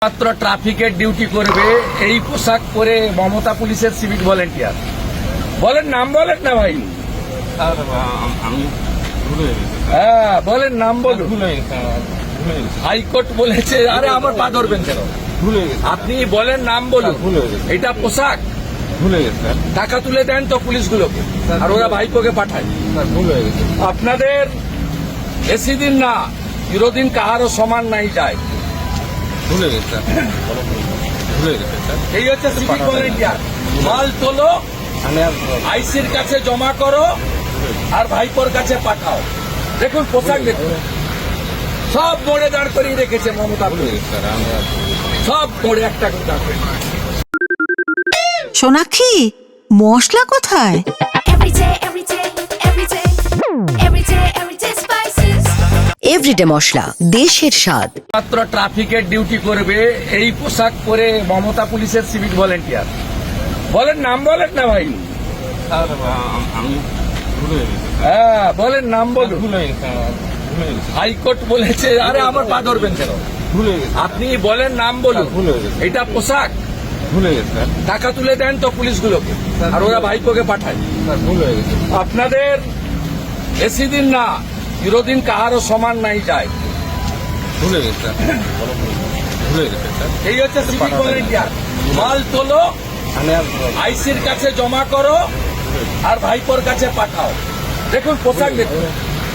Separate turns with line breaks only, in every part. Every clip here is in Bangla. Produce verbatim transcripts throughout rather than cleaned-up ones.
মাত্র ট্রাফিকের ডিউটি করবে এই পোশাক পরে মমতা পুলিশের সিভিক ভলেন্টিয়ার। বলেন নাম বলেন না ভাই।
স্যার আমি ভুলে গেছি
হ্যাঁ বলেন নাম বলুন।
ভুলে গেছি ভুলে গেছি
হাইকোর্ট বলেছে। আরে আমার পা ধরবেন কেন?
ভুলে গেছি
আপনি বলেন নাম বলুন।
ভুলে গেছি
এটা পোশাক।
ভুলে গেছি স্যার
টাকা তুলে দেন তো পুলিশগুলোকে, আর ওরা ভাইপোকে পাঠায়।
স্যার ভুলে গেছি
আপনাদের বেশি দিন না, চিরদিন কাহারও সমান নাই যায়।
ভুলে গেছি স্যার ভুলে গেছি স্যার
এই হচ্ছে সিভিক ভলেন্টিয়ার। মাল তোলো,
আমি আর
আইসির কাছে জমা করো, আর ভাইপোর কাছে পাঠাও। দেখুন পোশাক দেখুন, সব মোড়ে দাঁড় করিয়ে রেখেছে মমতা
ভুলে
পুলিশ।
গেছি স্যার আমি আর
সব মোড়ে একটা করে দাঁড় করে।
সোনাক্ষী, মশলা কোথায়?
Every day, every day, every day, every day, every day spices.
Everyday মশলা, দেশের স্বাদ।
মাত্র ট্রাফিকের ডিউটি করবে এই পোশাক পরে মমতা পুলিশের সিভিক ভলেন্টিয়ার। বলেন নাম বলেন না ভাই।
স্যার আমি ভুলে গেছি
হ্যাঁ বলেন নাম বলুন।
ভুলে গেছি ভুলে গেছি
হাইকোর্ট বলেছে। আরে আমার পা ধরবেন কেন?
ভুলে গেছি
আপনি বলেন নাম বলুন।
ভুলে গেছি
এটা পোশাক।
ভুলে গেছি স্যার
টাকা তুলে দেন তো পুলিশগুলোকে, আর ওরা ভাইপোকে পাঠায়।
স্যার ভুলে গেছি
আপনাদের বেশি দিন না, চিরদিন কাহারও সমান নাই যায়।
ভুলে গেছি স্যার ভুলে গেছি স্যার
এই হচ্ছে সিভিক ভলেন্টিয়ার। মাল তোলো,
আমি আর
আইসির কাছে জমা করো, আর ভাইপোর কাছে পাঠাও। দেখুন পোশাক দেখুন,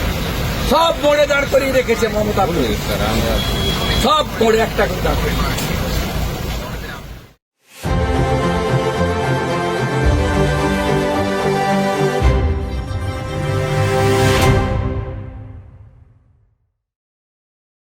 সব মোড়ে দাঁড় করিয়ে রেখেছে মমতা
ভুলে
পুলিশ।
গেছি স্যার আমি আর
সব মোড়ে একটা করে দাঁড় করে।